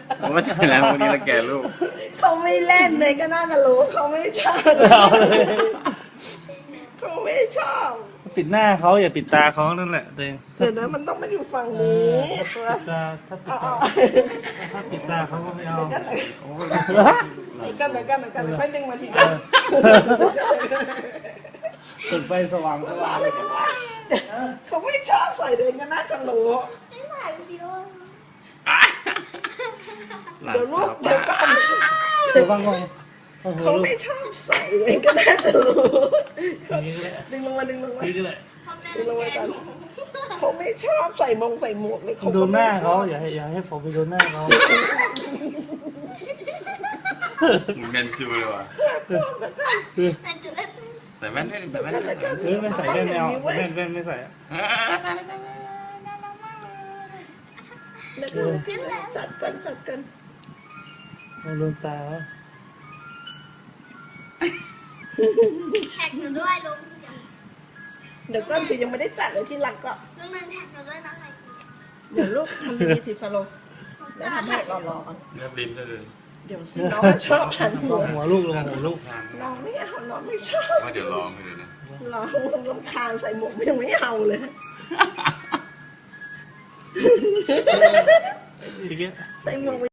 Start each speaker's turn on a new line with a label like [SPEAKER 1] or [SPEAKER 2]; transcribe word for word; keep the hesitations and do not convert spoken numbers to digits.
[SPEAKER 1] ผมว่าใช่แล้ววันนี้เราแก่ลูก
[SPEAKER 2] เขาไม่เล่นเลยก็น่าจะรู้เขาไม่ชอบเขาไม่ชอบ
[SPEAKER 3] ปิดหน้าเขาอย่าปิดตาเขานั่นแหละตัวเอง
[SPEAKER 2] เดี๋ยวนะมันต้องมาอยู่ฝั่งนี้ตัว
[SPEAKER 3] ปิดตาถ้าปิดตาถ้าปิดตาเขาก็ไม่เอา
[SPEAKER 2] เดี๋ยวกันเดี๋ยวกันเดี๋ยวกันเดี๋ยวค่อยดึงมาทีเดียว
[SPEAKER 3] เปิดไฟสว่างสว่าง
[SPEAKER 2] อะไรกันวะเขาไม่ชอบใส่เดินก็น่าจะรู้
[SPEAKER 4] ไม่ถ่ายวิดีโอ
[SPEAKER 2] เดี๋ยวลูกเดี๋ยวก่อน
[SPEAKER 3] เดี๋ยวบ้างก่อนโอ้โห
[SPEAKER 2] เขาไม่ชอบใส่เดินก็น่าจะรู้
[SPEAKER 3] นี่แหละ
[SPEAKER 2] ดึงลงมาดึงลงมา
[SPEAKER 3] นี่แหละ
[SPEAKER 2] ดึงลงมาก่อนเขาไม่ชอบใส่มงใส่หมวกเลยเขา
[SPEAKER 3] ดู
[SPEAKER 2] ก็
[SPEAKER 3] ห
[SPEAKER 2] ไม่
[SPEAKER 3] น้า
[SPEAKER 2] ช
[SPEAKER 3] เขา
[SPEAKER 2] อบ
[SPEAKER 3] อย่าให้อย่าให้ผมไปดูหน้าเขา
[SPEAKER 1] เมนจูเลยว่ะ
[SPEAKER 4] แต่จุดเล็ก
[SPEAKER 1] แต่แว่นไม่แต่แว่นไม่
[SPEAKER 3] เฮ้ยไม่ใส่แว่นไม่เอาแว่นแว่นไม่ใส่
[SPEAKER 2] แล้วก็จัดกันจัดกัน
[SPEAKER 3] เราลืมตา
[SPEAKER 4] แท็กหนูด้วยลุง
[SPEAKER 2] เดี๋ยวก้อนสิยังไม่ได้จัดเลยที่หลังก็
[SPEAKER 4] ลุงหนึ่งแท็กหนูด้วยนะอะไร
[SPEAKER 2] เดี๋ยวลูกทำดีๆสิฟาโลแล้วทำให้รอๆก่อน
[SPEAKER 1] เรียบลิ้นได้เลย
[SPEAKER 2] เดี๋ยวสิน้องชอบหันหัว
[SPEAKER 3] หัวลูกลงหัวลูก
[SPEAKER 2] น้องไม่เอาน้องไม่ชอบ
[SPEAKER 1] ว่าเดี๋ยวลองให้ดูนะ
[SPEAKER 2] น้องรำคาญใส่หมวกยังไม่เอาเลย
[SPEAKER 3] อีกแล้ว
[SPEAKER 2] ใส่หมวก